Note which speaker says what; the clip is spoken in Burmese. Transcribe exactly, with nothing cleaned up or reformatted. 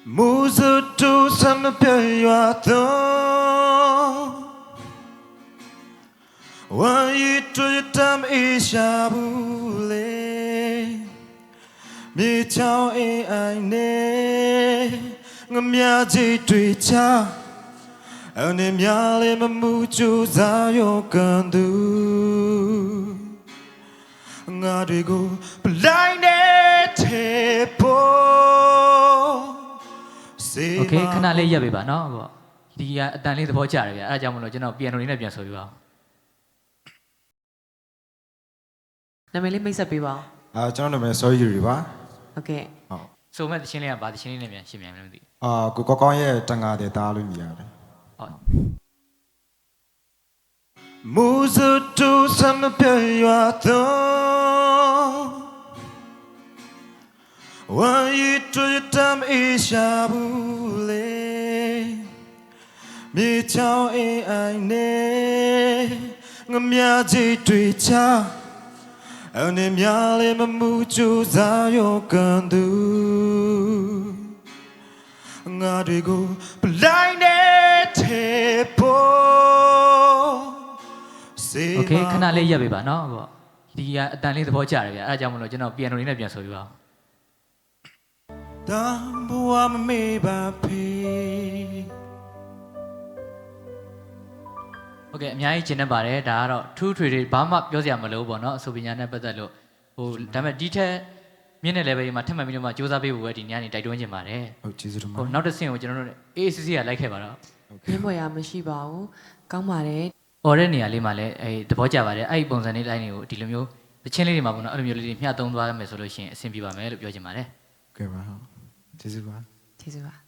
Speaker 1: Muzutu samapyayato Waitu ishabule Mi chao e aine Ngamyaji tuicha Ane myale mamuchu zayo kandu Ngadigo Blaine tepo
Speaker 2: Okay ခဏလေးရပ်ပေးပါနော်ပေါ့ဒီကအတန်လေးသဘောကျတယ်ဗျအဲ့ဒါကြောင့်မလို့ကျွန်တော်ပြန်လို့လေးနဲ့ပြန်ဆိုပြပါဦး
Speaker 3: နာမည်လေးမိတ်ဆက်ပေးပါဦး
Speaker 1: အာကျွန်တော်နာမည်စောယူရီပါ
Speaker 3: ဟုတ်ကဲ့
Speaker 1: ဟုတ်
Speaker 2: ဆိုမဲ့တချင်းလေးကဘာတချင်းလေးနဲ့ပြန်ရှင်းပြန်မလို့မသိ
Speaker 1: အာကိုကောကောင်းရဲ့တန်ကားတဲ့သားလို့မြည်ရတယ်
Speaker 2: ဟုတ်
Speaker 1: မူဇတူဆမ်ပြရွာတော့ဝါရီတူတမ်အေရှာဘူးလေမြေချောင်းအေးအိုင်နေငမြကြီးတွေ့ချအနေများလေးမမှုကြိုးစားရောကန်သူငါတွေကိုပလိုက်နေတဲ့ပေါ်
Speaker 2: Okay ခဏလေးရပ်ပေးပါနော်ပေါ့ဒီကအတန်လေးသဘောကျတယ်ဗျအဲ့ဒါကြောင့်မလို့ကျွန်တော်ပြန်လို့လေးနဲ့ပြန်ဆိုပြပါဦး
Speaker 1: 当我们没办法。
Speaker 2: Okay အများကြီးကျင်နေပါတယ်ဒါကတော့ထူးထွေတွေဘာမှပြောစရာမလိုဘူးပေါ့နော်အဆိုပညာနဲ့ပတ်သက်လို့ဟိုဒါပေမဲ့ဒီထက်မြင့်တဲ့ level မှာထပ်မှန်ပြီးတော့မှစူးစမ်းပေးဖို့ပဲဒီနေ့ကနေတိုက်တွန်းချင်ပါတယ်
Speaker 1: ဟုတ်ကျေးဇူးတင်ပါ
Speaker 2: ဟိုနောက်တစ်ဆင့်ကိုကျွန်တော်တို့ A A C C ကလိုက်ခဲ့ပါတော့
Speaker 3: ရင်းပွဲရမရှိပါဘူးကောင်းပါတယ်
Speaker 2: អော်တဲ့နေရာလေးမှာလည်းအဲသဘောကျပါတယ်အဲ့ဒီပုံစံလေးတိုင်းတွေကိုဒီလိုမျိုးတချင်းလေးတွေမှာပေါ့နော်အဲ့လိုမျိုးလေးတွေမျှသုံးသွားမယ်ဆိုလို့ရှိရင်အဆင်ပြေပါမယ်လို့ပြောချင်ပါတယ်
Speaker 1: ကဲပါဟုတ်ကျေးဇူးပါ
Speaker 3: ကျေးဇူးပါ